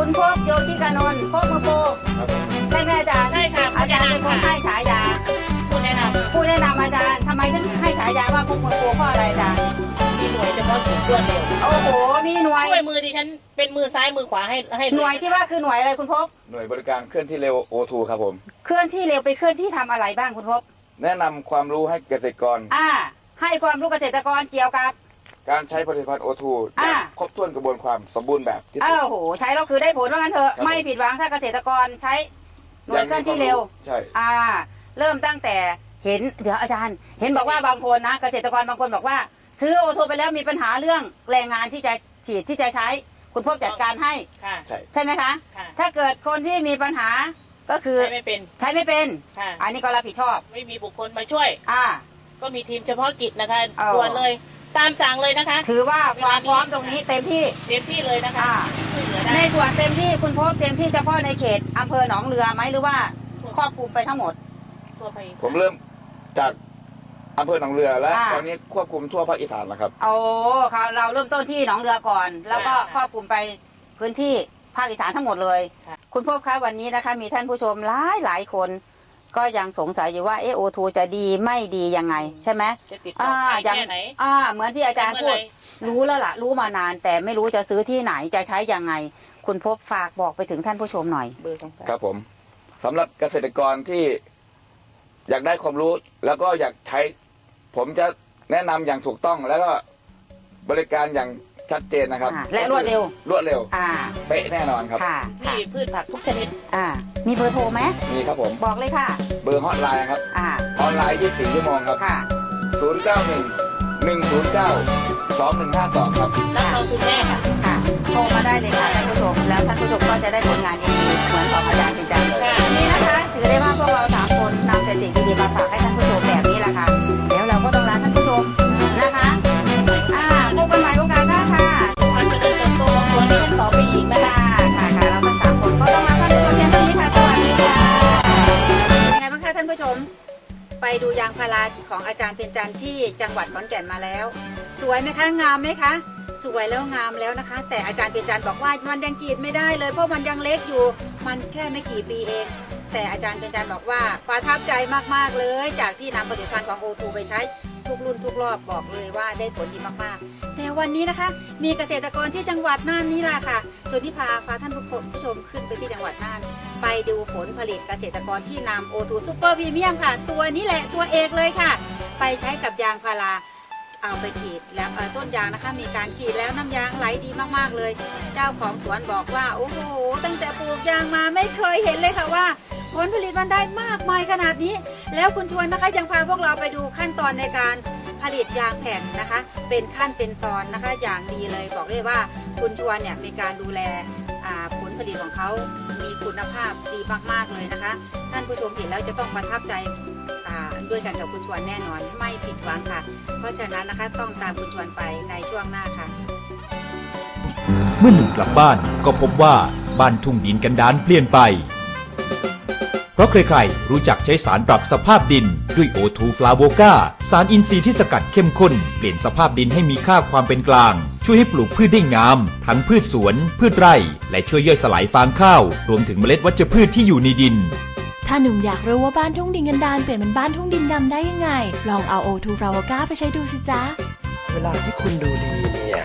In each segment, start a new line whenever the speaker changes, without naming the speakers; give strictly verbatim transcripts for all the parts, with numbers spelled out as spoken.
คุณพบโยธิกานนท์พบมือโปใช่ไหมอาจารย์
ใช่ค่ะ
อาจารย์เป็นคนให้ฉายา
ผู้แนะนำ
ผู้แนะนำอาจารย์ทำไมถึงให้ฉายาว่าพบมือโปเพราะอะไรอาจารย์
มีหน่วยเฉพาะกิจรวดเร็ว
โอ้โหมีหน่วย
ช่วยมือดิฉันเป็นมือซ้ายมือขวาให้ให้
หน่วยที่ว่าคือหน่วยอะไรคุณพบ
หน่วยบริการเคลื่อนที่เร็ว โอ ทู ครับผม
เคลื่อนที่เร็วไปเคลื่อนที่ทำอะไรบ้างคุณพบ
แนะนำความรู้ให้เกษตรกร
อ่าให้ความรู้เกษตรกรเกี่ยวกับ
การใช้ผลิตภัณฑ์ โอ ทู ครบถ้วนกระบวนความสมบูรณ์แบบที่สุด
โอ้โหใช้แล้วคือได้ผลว่างั้นเถอะไม่ผิดหวังถ้าเกษตรกรใช้หน่วยเคลื่อนที่เร็ว
ใช่
อ่าเริ่มตั้งแต่เห็นเดี๋ยวอาจารย์เห็นบอกว่าบางคนนะเกษตรกรบางคนบอกว่าซื้อโอ ทู ไปแล้วมีปัญหาเรื่องแรงงานที่จะฉีดที่จะใช้คุณพบจัดการให้ใช่ไหมคะถ้าเกิดคนที่มีปัญหาก็คือ
ใช้ไม่เป็น
ใช้ไม่เป็นอันนี้ก็รับผิดชอบ
ไม่มีบุคคลมาช่วย
อ่า
ก็มีทีมเฉพาะกิจนะคะด่วนเลยตามสั่งเลยนะคะ
ถือว่าความพร้อมตรงนี้เต็มที่
เต็มที่เลยนะคะ
ในส่วนเต็มที่คุณพบเต็มที่เฉพาะในเขตอำเภอหนองเรือไหมหรือว่าครอบคลุมไปทั้งหมด
ผมเริ่มจากอำเภอหนองเรือและตอนนี้ควบคุมทั่วภาคอีสานแล้วครับ
โอ้ครับเราเริ่มต้นที่หนองเรือก่อนแล้วก็ครอบคลุมไปพื้นที่ภาคอีสานทั้งหมดเลยคุณพบคะวันนี้นะคะมีท่านผู้ชมหลายหลายคนก็ยังสงสัยอยู่ว่าเอโอทูจะดีไม่ดียังไงใช่ไหม
อ่า
อย่างอ่าเหมือนที่อาจารย์พูดรู้แล้วล่ะรู้มานานแต่ไม่รู้จะซื้อที่ไหนจะใช้ยังไงคุณพบฝากบอกไปถึงท่านผู้ชมหน่อย
ครับผมสำหรับเกษตรกรที่อยากได้ความรู้แล้วก็อยากใช้ผมจะแนะนำอย่างถูกต้องแล้วก็บริการอย่างชัดเจนนะครับ
และรวดเร็ว
รวดเร็ว
อ่า
เป๊ะแน่นอนครับ
มีพืชผักทุกชนิด
อ่ามีเบอร์โทรไหม
มีครับผม
บอกเลยค่ะ
เบอร์ฮอตไลน์ครับ
อ่า
ออนไลน์ยี่สิบสี่ชั่วโมงครับ
ค่ะ
ศูนย์เก้าหนึ่งหนึ่งศูนย์เก้าสองหนึ่งห้าสองครับ
แล้วเราคุณแม่ค่ะ
ค่ะโทรมาได้เลยค่ะท่านผู้ชมแล้วท่านผู้ชมก็จะได้ผลงานดีๆเหมือนของอาจารย์เป็นจังนี่นะคะถือได้ว่าพวกเราสามคนนำแต่สิ่งดีๆมาฝากให้ท่านผู้ชมแบบนี้แหละค่ะเดี๋ยวเราก็ต้องลาท่านผู้ชมนะคะอ่าพบกันใหม่โอกาสหน้าค่ะ
ความเจริญเติบโตของตัวนี้ต่อไปอีกนะคะ
ค่ะค่ะเราทั้งสามคนก็ต้องลาท่านผู้ชมเพียงเท่านี้ค่ะสวัสดีค่ะยังไงบ้างคะท่านผู้ชมไปดูยางพาราของอาจารย์เพ็ญจันทร์ที่จังหวัดขอนแก่นมาแล้วสวยไหมคะงามไหมคะสวยแล้วงามแล้วนะคะแต่อาจารย์เพ็ญจันทร์บอกว่ามันยังกรีดไม่ได้เลยเพราะมันยังเล็กอยู่มันแค่ไม่กี่ปีเองแต่อาจารย์เพ็ญจันทร์บอกว่าประทับใจมากๆเลยจากที่นำผลิตภัณฑ์ของ โอ ทู ไปใช้ทุกรุ่นทุกรอบบอกเลยว่าได้ผลดีมากๆแต่วันนี้นะคะมีเกษตรกรที่จังหวัดน่านนี่แหละค่ะชวนที่พาพาท่านผู้ชมขึ้นไปที่จังหวัดน่านไปดูผลผลิตเกษตรกรที่นำ โอ ทู ซุปเปอร์พรีเมียมค่ะตัวนี้แหละตัวเอกเลยค่ะไปใช้กับยางพาราเอาไปกรีดแล้วต้นยางนะคะมีการกรีดแล้วน้ำยางไหลดีมากๆเลยเจ้าของสวนบอกว่าโอ้โหตั้งแต่ปลูกยางมาไม่เคยเห็นเลยค่ะว่าผลผลิตมันได้มากมายขนาดนี้แล้วคุณชวนนะคะยังพาพวกเราไปดูขั้นตอนในการผลิตยางแผ่นนะคะเป็นขั้นเป็นตอนนะคะอย่างดีเลยบอกเลยว่าคุณชวนเนี่ยมีการดูแลผลผลิตของเขามีคุณภาพดีมากๆเลยนะคะท่านผู้ชมเห็นแล้วจะต้องประทับใจด้วยกันกับคุณชวนแน่นอนไม่ผิดหวังค่ะเพราะฉะนั้นนะคะต้องตามคุณชวนไปในช่วงหน้าค่ะ
เมื่อหนุ่มกลับบ้านก็พบว่าบ้านทุ่งดินกันดารเปลี่ยนไปเพราะใครๆรู้จักใช้สารปรับสภาพดินด้วย โอ ทู ฟลาโวก้า สารอินทรีย์ที่สกัดเข้มข้นเปลี่ยนสภาพดินให้มีค่าความเป็นกลางช่วยให้ปลูกพืชได้งามทั้งพืชสวนพืชไร่และช่วยย่อยสลายฟางข้าวรวมถึงเมล็ดวัชพืชที่อยู่ในดิน
ถ้าหนุ่มอยากรู้ว่าบ้านทุ่งดินกันดารเปลี่ยนเป็นบ้านทุ่งดินดำได้ยังไงลองเอา โอ ทู ฟลาโวก้าไปใช้ดูสิจ๊ะ
เวลาที่คุณดูดีเนี่ย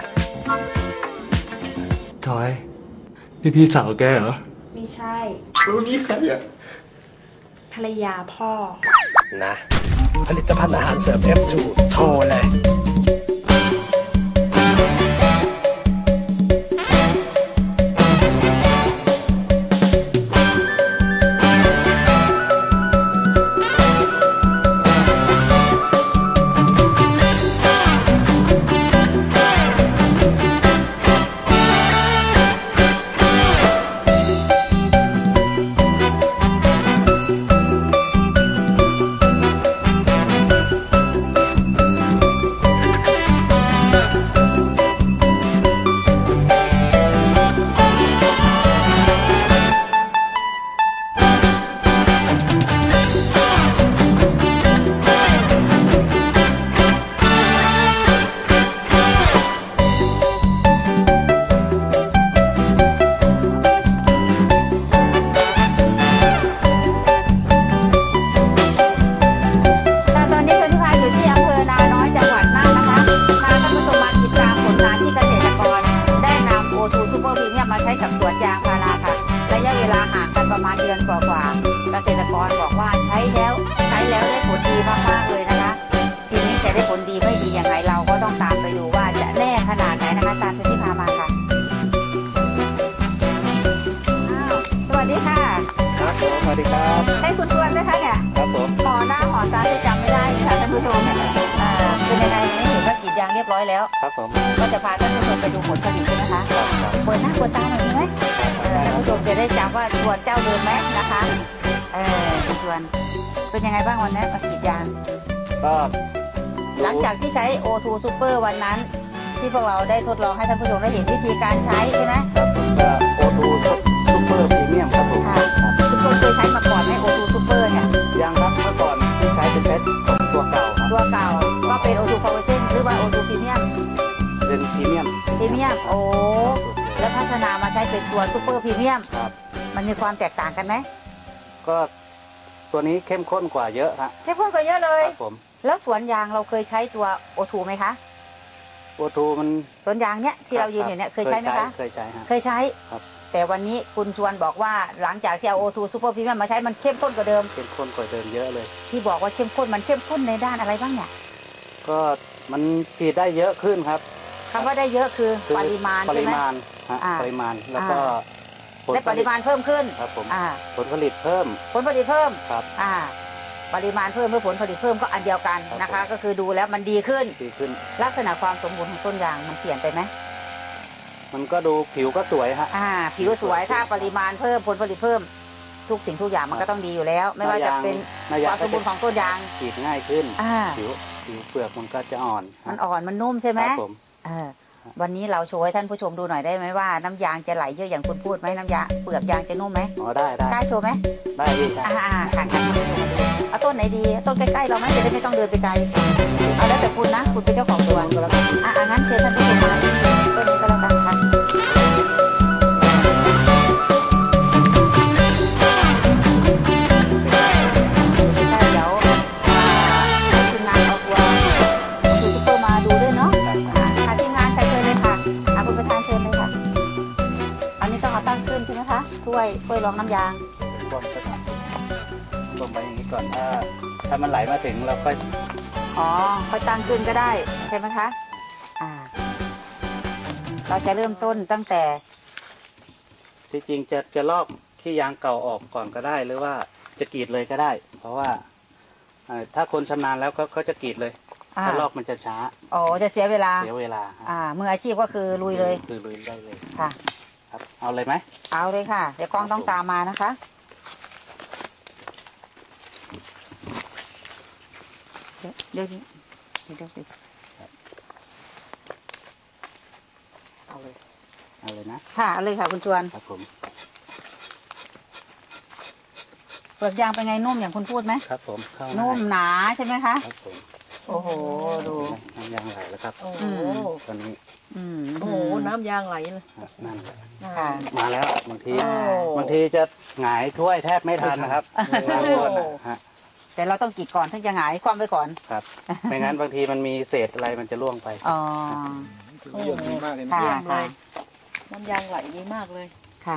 จอยพี่พี่สาวแกเหรอ
ไม่ใช่
รู้นี่ใครอะ
ภรรยาพ่อ
นะผลิตภัณฑ์อาหารเสริม เอฟ ทู โทรเลย
มาใช้กับสวนยางพาราค่ะระยะเวลาห่างกันประมาณเดือนกว่าๆเกษตรกรบอกว่าใช้แล้วใช้แล้วได้ผลดีมากๆเลยนะคะทีนี้จะได้ผลดีไม่ดียังไงเราก็ต้องตามไปดูว่าจะแน่ขนาดไหนนะคะตามที่พามาค่ะอ้าวสวัสดีค่ะ
ครับผมสวัสดีครับ
ให้คุณชวนด้วยคะเนี่ย
ครับผม
หอหน้าหอตาจะจำไม่ได้ค่ะท่านผู้ชมอ่าเป็นยังไงวันนี้เห็นว่ากรีดยางเรียบร้อยแล้ว
ครับผม
ก็จะพาท่านผู้ชมไปดูผลผลิตใช่ไหมคะเปิดหน้าเปิดตาหน่อยดีไหมเออท่านผู้ชมจะได้จำว่าชวนเจ้าเดิมไหมนะคะเออคุณชวนเป็นยังไงบ้างวันนี้มากรีดยาง
ก็
หลังจากที่ใช้ โอ ทู Super วันนั้น ที่พวกเราได้ทดลองให้ท่านผู้ชมได้เห็นวิธีการใช้ใช่ไหม
ครับผมก็โอทูซูเปอร์พรีเมียมครับผม
ค่ะคุณชวนเคยใช้มาก่อนไหม โอ ทู Super เนี่ย
ยังครับเมื่อก่อนที่ใช้เป็นเซตของตัวเก่าครับ
ตัวเก่าก็เป็น โอ ทู Power Gen หรือว่า โอ ทู Premium
เป็นพรีเมียม
Premium โอ้แล้วพัฒนามาใช้เป็นตัว Super Premium
ครับ
มันมีความแตกต่างกันไหม
ก็ตัวนี้เข้มข้นกว่าเยอะฮะ
เข้มข้นกว่าเยอะเลย
ครับผม
แล้วสวนยางเราเคยใช้ตัว โอ ทู ไหมคะ
โอทูมัน
สวนยางเนี้ยที่เรายืนอยู่เนี่ยเคยใช้ไหมคะ
เคยใช้ฮะ
เคยใช้
ครับ
แต่วันนี้คุณชวนบอกว่าหลังจากที่เอา โอ ทู Super Premium มาใช้มันเข้มข้นกว่าเดิม
เข้มข้นกว่าเดิมเยอะเลย
ที่บอกว่าเข้มข้นมันเข้มข้นในด้านอะไรบ้างเนี่ย
ก็มันฉีดได้เยอะขึ้นครับ
คำว่าได้เยอะคือ
คือ
ปริมาณ
ป
ใช่
ริ
ไหม
มาณฮะ
อ่า
ปริมาณแล้วก็ผล
ได้
ผ
ป
ลิ
ริ
ต
มาณเพิ่มขึ้น
ครับผม
อ่า
ผลผลิตเพิ่ม
ผลผลิตเพิ่ม
ครับ
อ่าปริมาณเพิ่มเมื่อผลผลิตเพิ่มก็อันเดียวกัน
ครับ
นะคะ
ผม
ก็คือดูแล้วมันดีขึ้น
ดีขึ้น
ลักษณะความสมบูรณ์ของต้นยางมันเปลี่ยนไปไหม
มันก็ดูผิวก็สวยฮะ
อ่าผิวสวยถ้าปริมาณเพิ่มผลผลิตเพิ่มทุกสิ่งทุกอย่างมันก็ต้องดีอยู่แล้ว ไม่ว่าจะเป็น
หน้า
ค
ยาง
วามสมบูรณ์ของต้นยาง
ฉีดง่ายขึ้น
อ่า
ผิวผิวเปลือกมันก็จะอ่อนฮะ
มันอ่อนมันนุ่มใช่ไหม
ครับผม
เออวันนี้เราโชว์ให้ท่านผู้ชมดูหน่อยได้ไหมว่าน้ำยางจะไหลเยอะอย่างคุณพูดไหมน้ำยางเปลือกยางจะนุ่มไหม
อ๋อได้ได้
กล้าโชว์ไหม
ได้พี่ได้
อ่าอ่าค่ะค่ะเอาต้นไหนดีต้นใกล้ๆเราไหมจะได้ไม่ต้องเดินไปไกลเอาแล้วแต่คุณนะคุณเป็นเจ้าของสวนก็แล้วกันอ่างั้นเชิญท่านผู้ชมมาต้นนี้ก็แล้วกันค่ะเดี๋ยวทีมงานเอาตัวซูเปอร์มาดูด้วยเนาะค่ะทีมงานใครเชิญเลยค่ะอาคุณประธานเชิญเลยค่ะอันนี้ต้องเอาตั้งขึ้นใช่ไหมคะถ้วยถ้วยรองน้ำยาง
รวมไปก่อนรวมไปอย่างนี้ก่อนถ้าถ้ามันไหลมาถึงเราค่อย
อ๋อค่อยตั้งขึ้นก็ได้ใช่ไหมคะอ่าเราจะเริ่มต้นตั้งแต่
ที่จริงจะจะลอกที่ยางเก่าออกก่อนก็ได้ หรือว่าจะกรีดเลยก็ได้ เพราะว่าเอ่อถ้าคนชำนาญแล้วเขาเขาจะกรีดเลย
อ่า
ถ้าลอกมันจะช้า
อ๋อจะเสียเวลา
เสียเวลาฮะ
อ่ามืออาชีพก็คือลุยเลย
คือลุยได้เลย
ค่ะ
ครับเอาเลยไหม
เอาเลยค่ะเดี๋ยวกล้องต้องตามมานะคะเดี๋ยวเดี๋ยวนี้เดี๋ยวเดี๋ยวเดี๋ยวเอาเลย
เอาเลยนะ
ค่ะเอาเลยค่ะคุณชวน
ครับผม
เปลือกยางเป็นไงนุ่มอย่างคุณพูดไหม
ครับผมเข้า
นุ่มหนาใช่ไหมคะ
ครับผม
โอ้โหดู
น้ำยางไหลแล้วครับ
โอ้โห
ตอนนี้
อืม
โอ้โหน้ำยางไหลเลย
อ่ะนั่นแหละ
ค่ะ
มาแล้วบางที
โอ้
บางทีจะหงายถ้วยแทบไม่ทันนะครับบางคนน่ะฮะ
แต่เราต้องกรีดก่อนถึงจะหงายความไว้ก่อน
ครับ ไม่งั้นบางทีมันมีเศษอะไรมันจะล่วงไป
อ๋อ
ประโยชน์ดีมากเลยนะ
ค่ะ
เยี่ยมเล
ค่ะ
ย น้ำยางไหลดีมากเลย
ค่ะ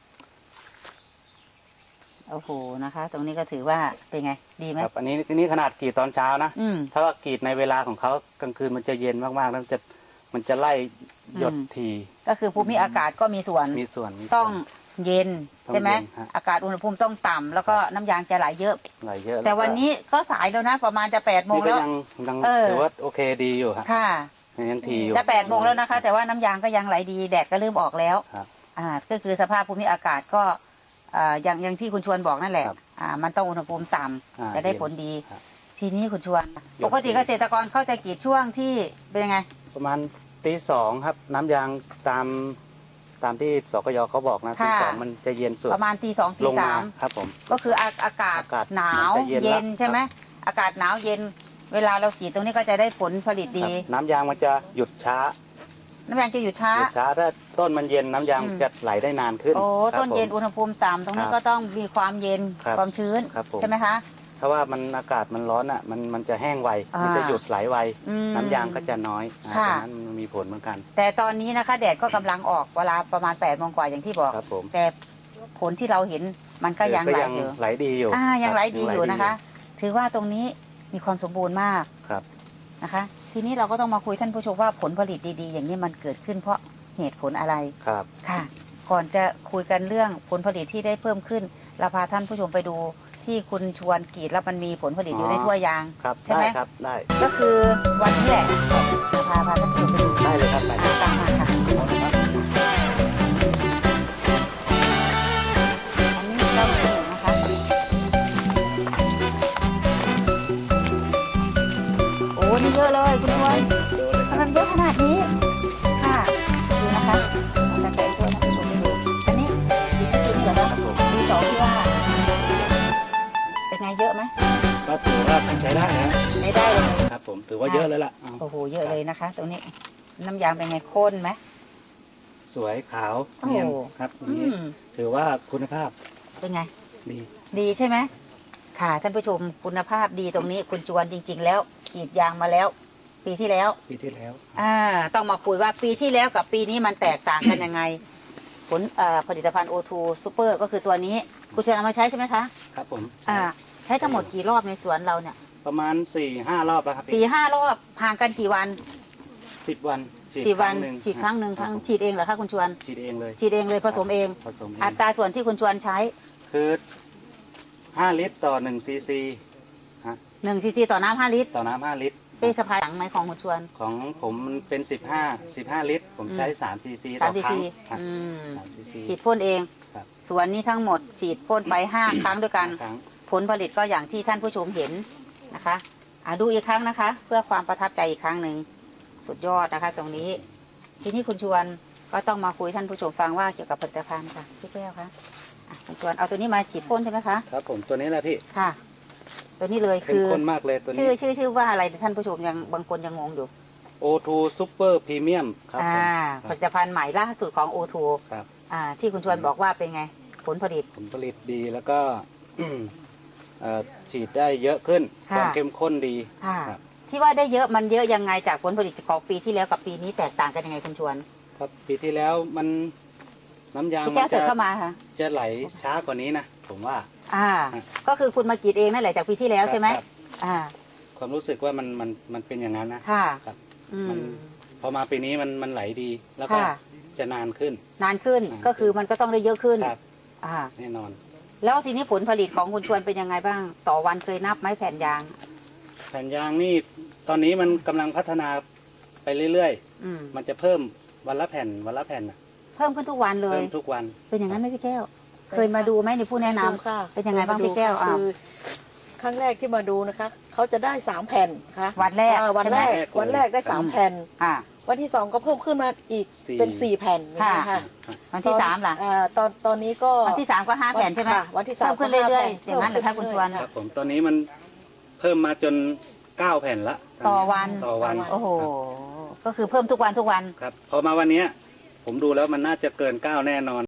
โอ้โหนะคะ ตรงนี้ก็ถือว่าเป็นไงดีไหม
ครับ อันนี้นี่ขนาดกรีดตอนเช้านะ
อืม
ถ้าว่ากรีดในเวลาของเขากลางคืนมันจะเย็นมากๆแล้วมันจะมันจะไล่หยด
อืม
ที
ก็คือภูมิอากาศก็มีส่วน
มีส่วนมีส่วน
ต้องเย็น
ต้อง
ใช่ไหม
เย็นฮะ
อากาศอุณหภูมิต้องต่ำแล้วก็น้ำยางจะไหลเยอะ
ไหลเยอะ
แต่วันนี้ก็สายแล้วนะ ประมาณจะแปดโมง
นี่ก็
แล้ว
ยังยัง
เออ
ถือว่าโอเคดีอยู่ครับ
ค่ะ
ยังทีอยู่
จะแปดโมงแล้วนะคะ แต่ว่าน้ำยางก็ยังไหลดีแดดก็เริ่มออกแล้ว
ครับ
อ่าก็คือสภาพภูมิอากาศก็อ่าอย่างอย่างที่คุณชวนบอกนั่นแหละ
ครับ
อ่ามันต้องอุณหภูมิต่ำ
อ่า
จะได้
เย็น
ผลดี
ครับ
ทีนี้คุณชวน ปกติเกษตรกรเขาจะกรีดช่วงที่เป็นยังไง
ประมาณตีสองครับ น้ำยางตามตามที่สกยเขาบอกนะ
ค่ะ
ตีสองมันจะเย็นสุด
ประมาณตีสองตี
ลง
สาม
ครับผม
ก็คืออาอากาศ
อากาศ
หนาว
มันจะเย็น
เย็น
แล้ว
ใช่ไหมอากาศหนาวเย็น เวลาเรากรีดตรงนี้ก็จะได้ผลผลิตดี
ครับน้ำยางมันจะหยุดช้า
น้ำยางจะอยู่ช้า
หยุดช้าถ้าต้นมันเย็นน้ำยาง
อืม
จะไหลได้นานขึ้น
โอ้
ครับ
ต้นเย็น
ผม
อุณหภูมิต่ำตรงนี้
ครับ
ก็ต้องมีความเย็น
ครับ
ความชื้น
ครับผม
ใช่ไหมคะ
ถ้าว่ามันอากาศมันร้อนอ่ะมันมันจะแห้งไว
อ่ามั
มันจะหยุดไหลไว
อืม
น้ำยางก็จะน้อยอ่า
ค่ะ
ฉะนั้นมันมีผลเหมือนกัน
แต่ตอนนี้นะคะแดดก็กำลังออกเวลาประมาณแปดโมงกว่าอย่างที่บอก
ครับผม
แต่ผลที่เราเห็นมันก็ยัง
ก็
ไหล
ยัง
อยู่
ไหลดีอยู่
อ่ายัง
ครับ
ไหลดีอยู่นะคะ ถือว่าตรงนี้มีความสมบูรณ์มาก
ครับ
นะคะ ทีนี้เราก็ต้องมาคุยท่านผู้ชมว่าผลผลิตดีๆ อย่างนี้มันเกิดขึ้นเพราะเหตุผลอะไร
ครับ
ค่ะ ก่อนจะคุยกันเรื่องผลผลิตที่ได้เพิ่มขึ้นเราพาท่านผู้ชมไปดูที่คุณชวนกรีดแล้วมันมีผลผลิตอยู่ในถ้วยยาง
ครับ
ใช่ไหม
ได้ครับได้
ก็คือวันนี้แหละเราพาพาท่านผู้ชมไปดู
ได้เลยครับไป
อ่าตามมาค่ะอันนี้เราเห็นนะคะโอ้นี่เยอะเลยคุณชวนทำไมมันเยอะขนาดนี้ค่ะดูนะคะเราจะแกะตัวท่านผู้ชมไปดูอันนี้ดีที่สุดเหรอคะดีสองที่ว่าเป็นไงเยอะไหม
ก็ถือว่าใช้ได้นะ
ไม่ได้เลย
ครับผมถือว่าเยอะเลยล่ะเอา
โอ้โหเยอะเลยนะคะ ตรงนี้น้ำยางเป็นไงข้นไหม
สวยขาว
โอ้โห
เนียนครับอย่างนี้
อืม
ถือว่าคุณภาพ
เป็นไง
ดี
ดีใช่ไหมค่ะท่านผู้ชมคุณภาพดีตรงนี้คุณจวนจริง ๆ แล้วกรีดยางมาแล้ว ปีที่แล้ว
ปีที่แล้ว
อ่าต้องมาคุยว่าปีที่แล้วกับปีนี้มันแตกต่างกันยังไง ผลเอ่อผลิตภัณฑ์ โอ ทู Super ก็คือตัวนี้คุณชวนเอามาใช้ใช่ไหมคะ
ครับผม
อ่าใช้ทั้งหมดกี่รอบในสวนเราเนี่ย
ประมาณสี่ห้ารอบแล้วครับ
สี่ห้ารอบห่างกันกี่วัน
สิบวันฉีด
สี่
ค
วั
รั้
น
งหนึ่ง
ฉีดครั้งหนึ่ง
ค
ค
รั
รั้
บ
ง
ผม
ฉีดเองเหรอคะคุณชวน
ฉีดเองเลย
ฉีดเองเลยผสมเอง
ผสมเอง
อัตราส่วนที่คุณชวนใช้
คือห้าลิตรต่อหนึ่งซีซี
หนึ่งซีซีต่อน้ำห้าลิตร
ต่อน้ำห้าลิตร
เป้สะพายหลังไหมของคุณชวน
ของผมมันเป็นสิบห้าสิบห้าลิตร ผมใช้สามซีซี
สา
ต่
ม
อ
ซี
ครั้
ซี
งครับ
อืม
สามซีซี
ฉีดพ่นเอง
ครับ
สวนนี้ทั้งหมดฉีดพ่นไปห้า ครั้งด้วยกัน
ครั้ง
ผลผลิตก็อย่างที่ท่านผู้ชมเห็นนะคะอ่ะดูอีกครั้งนะคะ เพื่อความประทับใจอีกครั้งหนึ่งสุดยอดนะคะ ตรงนี้ ทีนี้คุณชวนก็ต้องมาคุยท่านผู้ชมฟังว่าเกี่ยวกับผลิตภัณฑ์ค่ะพี่แก้วคะอ่ะคุณชวนเอาตัวนี้มาฉีดพ่นใช่ไหมคะ
ครับผมตัวนี้แหละพี่
ค่ะ ตัวนี้เลย
เข้ม
คือ
ข้นมากเลยตัวนี้
ชื่อชื่อชื่อว่าอะไรท่านผู้ชมยังบางคนยังงงอยู่
โอ ทู Super Premium ครับผม
อ่า
ค
ผ
รับ
ลิตภัณฑ์ใหม่ล่าสุดของ โอ ทู
ครับ
อ่าที่คุณชวนบอกว่าเป็นไงผลผลิต
ผลผลิตดีแล้วก็ เอ่อฉีดได้เยอะขึ้น
ค่ะ
ความเข้มข้นดี
ค่ะ
ครับ
ที่ว่าได้เยอะมันเยอะยังไงจากผลผลิตของปีที่แล้วกับปีนี้แตกต่างกันยังไงคุณชวน
ครับปีที่แล้วมันน้ำยาง
พี่
มั
แก้วน เถิ
จะ
ดเข้ามาค่ะ
จะไหลช้ากว่านี้นะผมว่า
อ่า
ครับ
ก็คือคุณมากรีดเองนั่นแหละจากปีที่แล้วใช่ไหม
ครับ
อ่า
ความรู้สึกว่ามันมันมันเป็นอย่างนั้นนะ
ค่ะ
ครับ
อื
มัน
ม
พอมาปีนี้มันมันไหลดี แล้วก็
ค่ะ
จะนานขึ้น
นานขึ้น
นานขึ้น
ก็คือมันก็ต้องได้เยอะขึ้น
ครับ
อ่า
แน่นอน
แล้วทีนี้ผลผลิตของคุณชวนเป็นยังไงบ้าง ต่อวันเคยนับไหมแผ่นยาง
แผ่นยางนี่ตอนนี้มันกำลังพัฒนาไปเรื่อย
อืม
ๆ มันจะเพิ่มวันละแผ่นวันละแผ่นน่ะ
เพิ่มขึ้นทุกวันเลย
เพิ่มทุกวัน
เป็นอย่างนั้นไหมพี่แก้ว เคยมาดูไหมในผู้แนะนำ
ค่ะ
เป็นยังไงบ้างพี่แก้วอ่า
คือครั้งแรกที่มาดูนะคะเขาจะได้สามแผ่นค่ะ
วันแรก
อ่าวันแรก
ใช่ไหม
วันแรกได้สามแผ่น
อ่า
วันที่สองก็เพิ่มขึ้นมาอีก
สี่
เป็นสี่แผ่นอย่างนี้ย
ค่ะ
ค่ะ
วันที่สามล่ะ
อ่าตอนตอนนี้ก็
วันที่สามก็ห้าแผ่นใช่ไหม
ค่ะวันที่สาม
เพิ่มขึ้น
ก็ห้า
เรื่อยๆ
แผ่น
อย่างนั้นเหรอคะคุณชวน
เพิ่มขึ้นเรื่อยๆ
ครับผมตอนนี้มันเพิ่มมาจนเก้าแผ่นละ
ต่อวัน
ต่อวัน
โอ้โห ก็คือเพิ่มทุกวันทุกวัน
ครับพอมาวันเนี้ยผมดูแล้วมันน่าจะเกินเก้าแน่นอน